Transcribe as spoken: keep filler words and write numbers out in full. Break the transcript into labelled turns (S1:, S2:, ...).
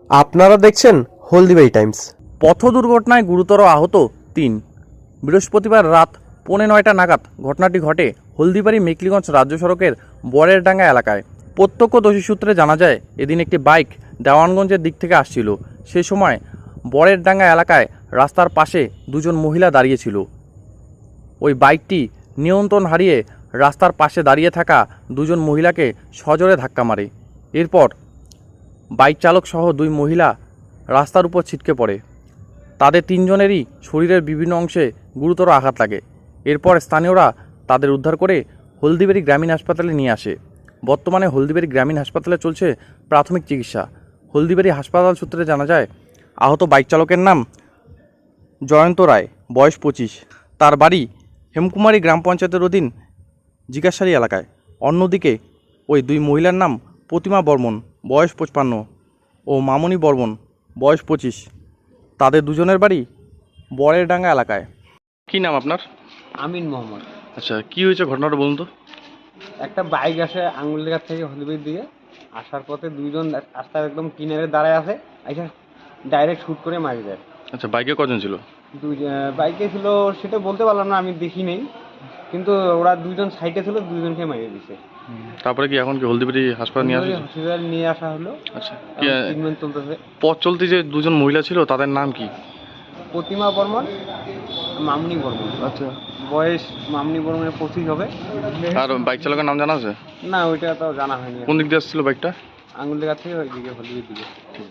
S1: আপনারা দেখছেন হলদিবাড়ি টাইমস।
S2: পথ দুর্ঘটনায় গুরুতর আহত তিন। বৃহস্পতিবার রাত পৌনে নয়টা নাগাদ ঘটনাটি ঘটে হলদিবাড়ি মেকলিগঞ্জ রাজ্য সড়কের বরের ডাঙ্গা এলাকায়। প্রত্যক্ষদর্শী সূত্রে জানা যায়, এদিন একটি বাইক দেওয়ানগঞ্জের দিক থেকে আসছিল। সে সময় বরের ডাঙ্গা এলাকায় রাস্তার পাশে দুজন মহিলা দাঁড়িয়েছিল। ওই বাইকটি নিয়ন্ত্রণ হারিয়ে রাস্তার পাশে দাঁড়িয়ে থাকা দুজন মহিলাকে সজোরে ধাক্কা মারে। এরপর বাইক চালক সহ দুই মহিলা রাস্তার উপর ছিটকে পড়ে। তাদের তিনজনেরই শরীরের বিভিন্ন অংশে গুরুতর আঘাত লাগে। এরপর স্থানীয়রা তাদের উদ্ধার করে হলদিবাড়ি গ্রামীণ হাসপাতালে নিয়ে আসে। বর্তমানে হলদিবাড়ি গ্রামীণ হাসপাতালে চলছে প্রাথমিক চিকিৎসা। হলদিবাড়ি হাসপাতাল সূত্রে জানা যায়, আহত বাইক চালকের নাম জয়ন্ত রায়, বয়স পঁচিশ। তার বাড়ি হেমকুমারী গ্রাম পঞ্চায়েতের অধীন জিজ্ঞাসারি এলাকায়। অন্যদিকে ওই দুই মহিলার নাম প্রতিমা বর্মন, বয়স পঁচপান্ন, ও মামনি বর্মন, বয়স পঁচিশ। তাদের দুজনের বাড়ি বরের ডাঙ্গা এলাকায়। কি নাম আপনার?
S3: আমিন মোহাম্মদ।
S2: আচ্ছা, কি হয়েছে ঘটনাটা বলুন তো।
S3: একটা বাইক আসে আঙুলিঘাট থেকে হলদিবাড়ির দিকে আসার পথে দুইজন রাস্তার একদম কিনারে দাঁড়ায় আছে, আইসা ডাইরেক্ট শুট করে মারি দেয়।
S2: আচ্ছা, বাইকে কজন ছিল?
S3: দুই বাইকে ছিল সেটা বলতে পারলাম না, আমি দেখি নেই, কিন্তু ওরা দুইজন সাইডে ছিল, দুইজনকে মারিয়ে দিছে।
S2: তারপরে কি এখন কি হলদিবাড়ি হাসপাতাল নিয়ে আসা?
S3: হসপিটাল নিয়ে আসা হলো।
S2: আচ্ছা,
S3: ট্রিটমেন্ট চলতেছে।
S2: পথ চলতে যে দুজন মহিলা ছিল তাদের নাম কি?
S3: প্রতিমা বর্মন, মামনি বর্মন।
S2: আচ্ছা,
S3: বয়স মামনি বর্মনের পঁচিশ হবে।
S2: আর বাইক চালকের নাম জানা আছে?
S3: না, ওইটা তো জানা হয়নি।
S2: কোন দিক দিয়ে আসছিল বাইকটা?
S3: আঙুলিঘাট থেকে ওই দিকে হলদিবাড়ির দিকে।